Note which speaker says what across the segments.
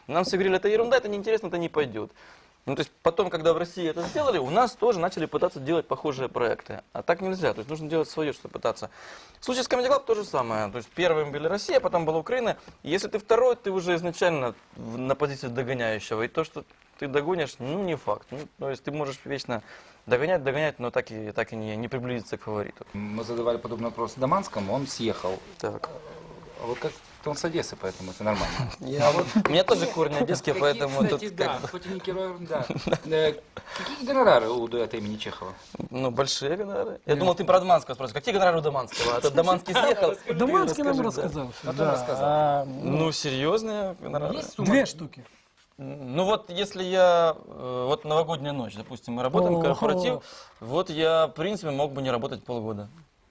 Speaker 1: Нам все говорили, это ерунда, это неинтересно, это не пойдет. Ну, то есть потом, когда в России это сделали, у нас тоже начали пытаться делать похожие проекты. А так нельзя, то есть нужно делать свое, что пытаться. В случае с Comedy Club то же самое. То есть первым были Россия, потом была Украина. И если ты второй, ты уже изначально на позиции догоняющего. И то, что ты догонишь, ну, не факт. Ну, то есть ты можешь вечно догонять, но так и не приблизиться к фавориту.
Speaker 2: Мы задавали подобный вопрос Даманскому, он съехал.
Speaker 1: Так.
Speaker 2: А вот как он с Одессы, поэтому это нормально.
Speaker 1: У меня тоже корни одесские, поэтому
Speaker 2: Кстати,
Speaker 1: тут
Speaker 2: да, хоть и не герой, да. Какие гонорары у дуэта имени Чехова?
Speaker 1: ну, большие гонорары. Я думал, ты про Даманского спросишь. Какие гонорары у Даманского? А то Даманский съехал.
Speaker 3: Даманский нам
Speaker 1: расскажи, да.
Speaker 3: рассказал.
Speaker 2: Потом рассказал.
Speaker 1: Ну, серьезные гонорары.
Speaker 2: Есть сумма?
Speaker 3: 2 штуки.
Speaker 1: Ну вот, если я, вот новогодняя ночь, допустим, мы работаем, корпоратив, вот я, в принципе, мог бы не работать полгода.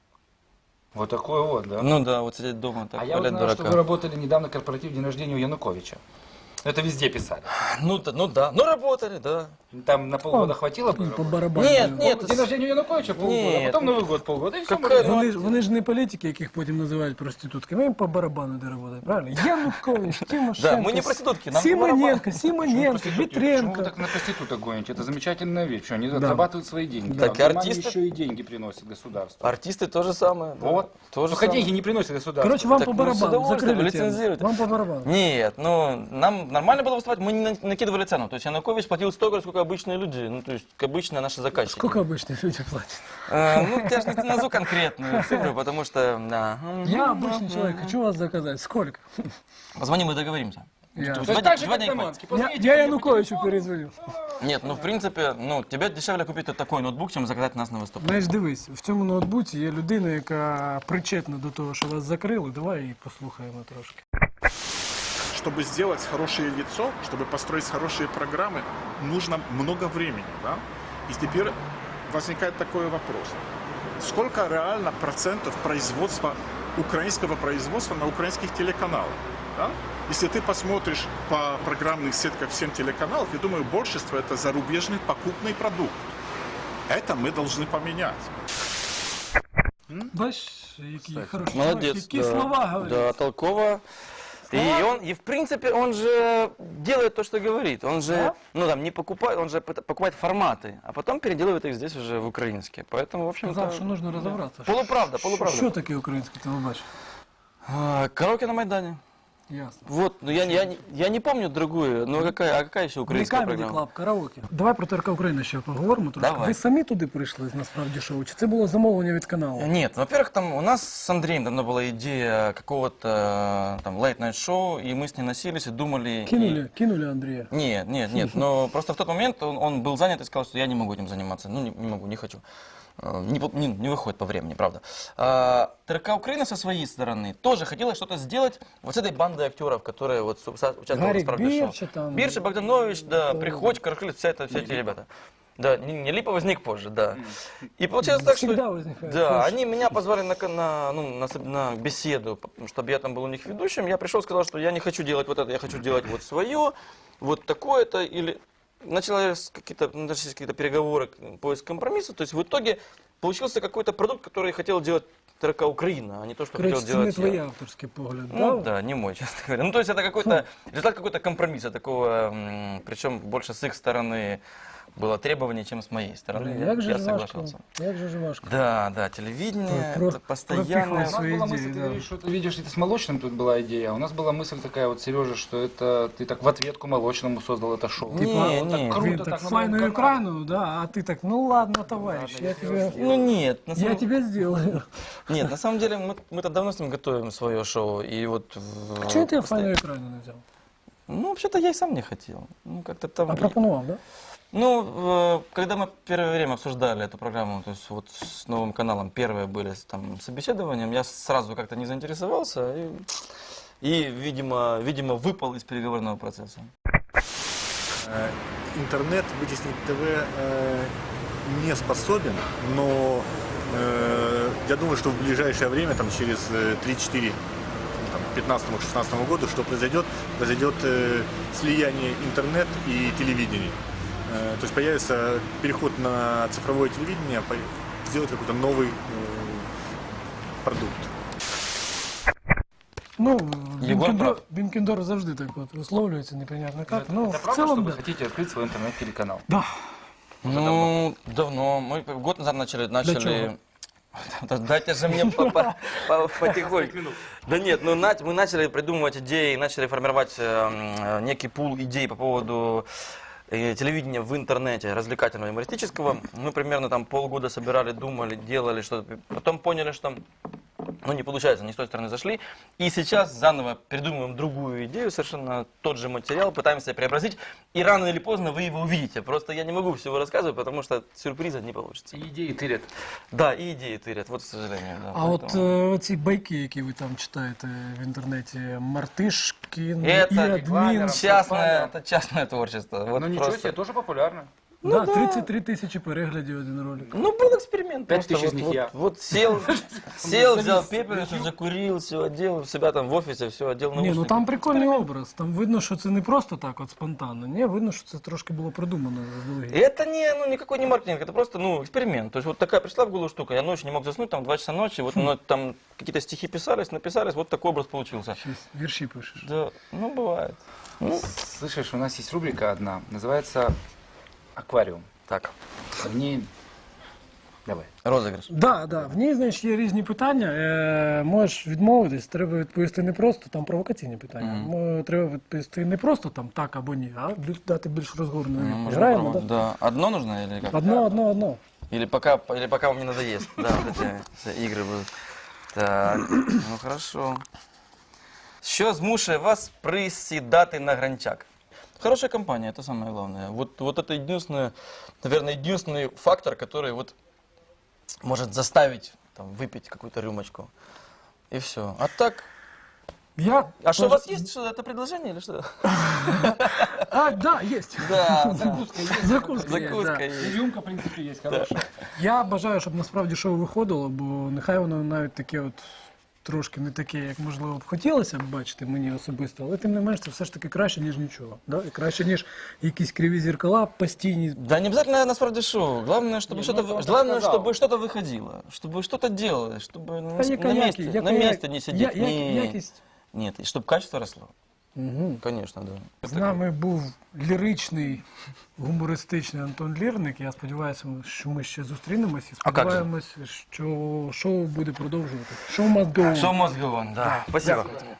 Speaker 2: Вот такой вот, да?
Speaker 1: Ну да, вот сидеть дома, так,
Speaker 2: А я вот
Speaker 1: валять
Speaker 2: знаю, что вы
Speaker 1: дурака.
Speaker 2: работали недавно корпоратив день рождения у Януковича. Это везде писали.
Speaker 1: Ну да, ну работали, да.
Speaker 2: Там на полгода хватило бы?
Speaker 3: По барабану.
Speaker 1: Нет,
Speaker 2: День рождения у Януковича полгода, а
Speaker 1: Нет.
Speaker 2: потом Новый год полгода, и все.
Speaker 1: Какая-
Speaker 3: Вони ж не політики, яких потім називають проститутками. Їм по барабану де роботи, правильно? Янукович, Тимошенко,
Speaker 1: Да, мы не проститутки, нам
Speaker 3: Симоненко,
Speaker 2: Почему
Speaker 3: Симоненко,
Speaker 2: вы
Speaker 3: Вітренко.
Speaker 2: так на проституток гоните? Это замечательная вещь. Что, они
Speaker 3: Да.
Speaker 2: зарабатывают свои деньги.
Speaker 1: Так
Speaker 2: Да,
Speaker 1: и
Speaker 2: Германия
Speaker 1: артисты-
Speaker 2: еще и деньги приносит государству.
Speaker 1: Артисты то же самое. да.
Speaker 2: Вот.
Speaker 1: То же
Speaker 2: Только
Speaker 1: самое.
Speaker 2: деньги не приносит государству.
Speaker 3: Короче, вам
Speaker 1: Так
Speaker 3: по
Speaker 1: мы с
Speaker 3: барабану,
Speaker 1: удовольствием
Speaker 3: закрыли тему.
Speaker 1: лицензируйте.
Speaker 3: Вам по барабану.
Speaker 1: Нет, ну, нам нормально было выступать, мы не накидывали цену. То есть Янукович платил столько, сколько обычные люди, ну, то есть обычные наши заказчики.
Speaker 3: Сколько обычно люди платят?
Speaker 1: Ну, я же не назову конкретную цифру, потому что, да.
Speaker 3: Я обычный человек, хочу вас заказать. Сколько?
Speaker 1: Позвони, мы договоримся.
Speaker 3: Я,
Speaker 2: То есть так же,
Speaker 1: Два
Speaker 2: как
Speaker 1: дня
Speaker 2: Даманский.
Speaker 3: я,
Speaker 2: Позвоните
Speaker 3: я
Speaker 2: мне по
Speaker 3: Януковичу
Speaker 2: телефону.
Speaker 3: перезвоню.
Speaker 1: Нет, ну, в принципе, ну, тебе дешевле купить такой ноутбук, чем заказать нас на виступ.
Speaker 3: Знаєш, дивись, в цьому ноутбуці є людина, яка причетна до того, що вас закрили. Давай її послухаємо трошки.
Speaker 4: Чтобы сделать хорошее лицо, чтобы построить хорошие программы, нужно много времени. Да? И теперь возникает такой вопрос. Сколько реально процентов производства, украинского производства на украинских телеканалах? Да? Если ты посмотришь по программных сетках всем телеканалов, я думаю, большинство это зарубежный покупный продукт. Это мы должны поменять.
Speaker 3: Бачиш, які хороші
Speaker 1: Молодец.
Speaker 3: які
Speaker 1: да.
Speaker 3: слова говорять.
Speaker 1: Да, толково. И в принципе, он же делает то, что говорит. Он же,
Speaker 3: Да?
Speaker 1: ну там, не покупает, он же покупает форматы, а потом переделывает их здесь уже в украинские. Поэтому, в общем-то...
Speaker 3: Сказав, що нужно розібратися.
Speaker 1: Полуправда.
Speaker 3: Що таке українське телебачення?
Speaker 1: Караоке на Майдане.
Speaker 3: Ясно.
Speaker 1: Вот, ну я не помню другую, но какая еще
Speaker 3: Не
Speaker 1: украинская
Speaker 3: Comedy
Speaker 1: программа?
Speaker 3: Club, караоке. Давай про ТРК Україна ще поговоримо трошки.
Speaker 1: Давай.
Speaker 3: Ви самі туди прийшли, насправді, шоу? Чи це було замовлення від каналу?
Speaker 1: Нет, во-первых, там у нас с Андреем давно была идея какого-то там late-night шоу, и мы с ним носились и думали...
Speaker 3: Кинули Андрія.
Speaker 1: Нет, но просто в тот момент он был занят и сказал, что я не могу этим заниматься, ну не могу, не хочу. Не выходит по времени, правда. ТРК Украина со своей стороны тоже хотела что-то сделать вот с этой бандой актеров, которые вот участвовали
Speaker 3: Гарик
Speaker 1: в «Правде шоу».
Speaker 3: Бирча там.
Speaker 1: Бирча, Богданович, да, Приходько, Каракулец, все эти ребята. Да, не Липа возник позже, да. И получилось так,
Speaker 3: Всегда
Speaker 1: что...
Speaker 3: возникает
Speaker 1: Да,
Speaker 3: позже.
Speaker 1: они меня позвали на беседу, чтобы я там был у них ведущим. Я пришел, сказал, что я не хочу делать вот это, я хочу делать вот свое, вот такое-то, или... Начались какие-то переговоры, поиск компромисса. То есть в итоге получился какой-то продукт, который хотел делать ТРК Украина, а не то, что
Speaker 3: Коротше,
Speaker 1: хотел
Speaker 3: це не
Speaker 1: делать
Speaker 3: твій
Speaker 1: я.
Speaker 3: авторський погляд,
Speaker 1: Ну да, не мой, честно говоря. Ну то есть это какой-то результат какой-то компромисса такого, причем больше с их стороны было требование, чем с моей стороны.
Speaker 3: Як же
Speaker 1: Я
Speaker 3: ж важко,
Speaker 1: соглашался.
Speaker 3: як же ж важко.
Speaker 1: Да, телевидение,
Speaker 3: Про-
Speaker 1: это постоянно.
Speaker 2: У нас
Speaker 3: Свои
Speaker 2: была
Speaker 3: идеи,
Speaker 2: мысль, ты
Speaker 3: да.
Speaker 2: говоришь, что ты видишь, это с Молочным тут была идея. А у нас была мысль такая вот, Сережа, что это ты так в ответку Молочному создал это шоу.
Speaker 1: Не,
Speaker 2: Типа, вот
Speaker 1: не.
Speaker 2: так
Speaker 3: Він
Speaker 2: круто,
Speaker 3: так
Speaker 2: так на
Speaker 3: файно
Speaker 2: новом канале.
Speaker 3: екрану, да, а ти так, ну ладно, товарищ, я тебе...
Speaker 1: Ну нет, на
Speaker 3: Я
Speaker 1: самом...
Speaker 3: тебе сделаю.
Speaker 1: Нет, на самом деле мы-то давно с ним готовим свое шоу. И вот
Speaker 3: А чого ти файно екрану не взяв?
Speaker 1: Ну, вообще-то я и сам не хотел. Ну, как-то там...
Speaker 3: А пропонував, да?
Speaker 1: Ну, когда мы первое время обсуждали эту программу, то есть вот с новым каналом, первые были там собеседованием, я сразу как-то не заинтересовался и видимо, выпал из переговорного процесса.
Speaker 5: Интернет вытеснить ТВ не способен, но я думаю, что в ближайшее время, там, через 3-4, 15-16 году, что произойдет слияние интернет и телевидения. То есть появится переход на цифровое телевидение, сделать какой-то новый продукт.
Speaker 3: Ну,
Speaker 1: Єгор прав.
Speaker 3: Бінкендор завжди так от висловлюється, непонятно як. Ну,
Speaker 2: Это
Speaker 3: в
Speaker 2: правда, что
Speaker 3: цілому,
Speaker 2: вы
Speaker 3: да.
Speaker 2: хотите открыть свой интернет-телеканал?
Speaker 3: Да.
Speaker 1: Ну, давно. Мы год назад начали.
Speaker 3: чего?
Speaker 1: Да дайте же мне потихоньку. Да нет, ну мы начали придумывать идеи, начали формировать некий пул идей по поводу телевидения в интернете, развлекательного, юмористического. Мы примерно там полгода собирали, думали, делали что-то. Потом поняли, что ну, не получается, не с той стороны зашли. И сейчас заново придумываем другую идею, совершенно тот же материал, пытаемся преобразить. И рано или поздно вы его увидите. Просто я не могу всего рассказывать, потому что сюрприза не получится.
Speaker 2: И идеи тырят.
Speaker 1: Да, и идеи тырят, вот, к сожалению. Да,
Speaker 3: А от
Speaker 1: поэтому-
Speaker 3: ці байки, які ви там читаєте в інтернеті, Мартишкін і
Speaker 1: Это
Speaker 3: адмін.
Speaker 1: это частное творчество. Вот
Speaker 2: Ну ничего
Speaker 1: просто.
Speaker 2: себе, тоже популярно.
Speaker 3: Да, 33 тисячі переглядів один ролик.
Speaker 1: Ну, был эксперимент.
Speaker 2: 5
Speaker 1: просто
Speaker 2: тысяч из
Speaker 1: вот,
Speaker 2: них
Speaker 1: вот,
Speaker 2: я.
Speaker 1: вот сел, взял пепельницу, закурил, все одел, у себя там в офисе, все одел
Speaker 3: Ні,
Speaker 1: наушники.
Speaker 3: ну там прикольний образ. Там видно, що це не просто так, от спонтанно. Ні, видно, що це трошки було продумано заздалегідь.
Speaker 1: Это никакой не маркетинг, это просто, эксперимент. То есть вот такая пришла в голову штука, я ночью не мог заснуть, там 2 часа ночи, вот там какие-то стихи написались, вот такой образ получился.
Speaker 3: Щось вірші пишеш.
Speaker 1: Да, ну, бывает. Ну,
Speaker 2: Слышишь, у нас есть рубрика одна, называется «Аквариум».
Speaker 1: так,
Speaker 2: В ней... Давай.
Speaker 1: розыгрыш.
Speaker 3: Да, да. В ній, значить, є різні питання. Можеш відмовитись, треба відповісти не просто, там провокаційні питання. Треба відповісти не просто там так або ні, а дати більш розгорну відповідь.
Speaker 1: Можно
Speaker 3: Граємо,
Speaker 1: попробовать.
Speaker 3: да?
Speaker 1: Да. Одно нужно или как?
Speaker 3: Одно.
Speaker 1: Или пока вам не надоест. Да, вот эти все игры будут. Так, ну хорошо. Що змушує вас присідати на гранчак? Хорошая компания, это самое главное. Вот это единственное, наверное, единственный фактор, который вот может заставить там, выпить какую-то рюмочку. И все. А так... А что, у вас есть что это предложение или что?
Speaker 3: А, да, есть.
Speaker 1: Да,
Speaker 3: Закуска є,
Speaker 1: закуска
Speaker 3: да.
Speaker 1: есть.
Speaker 2: Рюмка, в принципе, есть хорошая.
Speaker 3: Я бажаю, щоб насправді шоу виходило, бо нехай воно навіть таке от трошки не таке, як можливо б хотілося б бачити мені особисто, але тим не менш це все ж таки краще, ніж нічого. Да? І краще, ніж якісь криві зеркала постійні.
Speaker 1: Да не обязательно насправді шоу. Главное, чтобы
Speaker 2: Не,
Speaker 1: что-то,
Speaker 2: ну, просто
Speaker 1: главное,
Speaker 2: сказал.
Speaker 1: чтобы что-то выходило, чтобы что-то делалось, чтобы
Speaker 3: Та яка якість?
Speaker 1: на месте не сидеть.
Speaker 3: Якість.
Speaker 1: Нет, и чтобы качество росло.
Speaker 3: Угу.
Speaker 1: Конечно, да.
Speaker 3: З нами був ліричний, гумористичний Антон Лірник. Я сподіваюся, що ми ще зустрінемося. І
Speaker 1: А як же?
Speaker 3: сподіваємось, що шоу буде продовжувати. Шоу must go on.
Speaker 1: Шоу must go on, да. Спасибо.
Speaker 3: Дякую.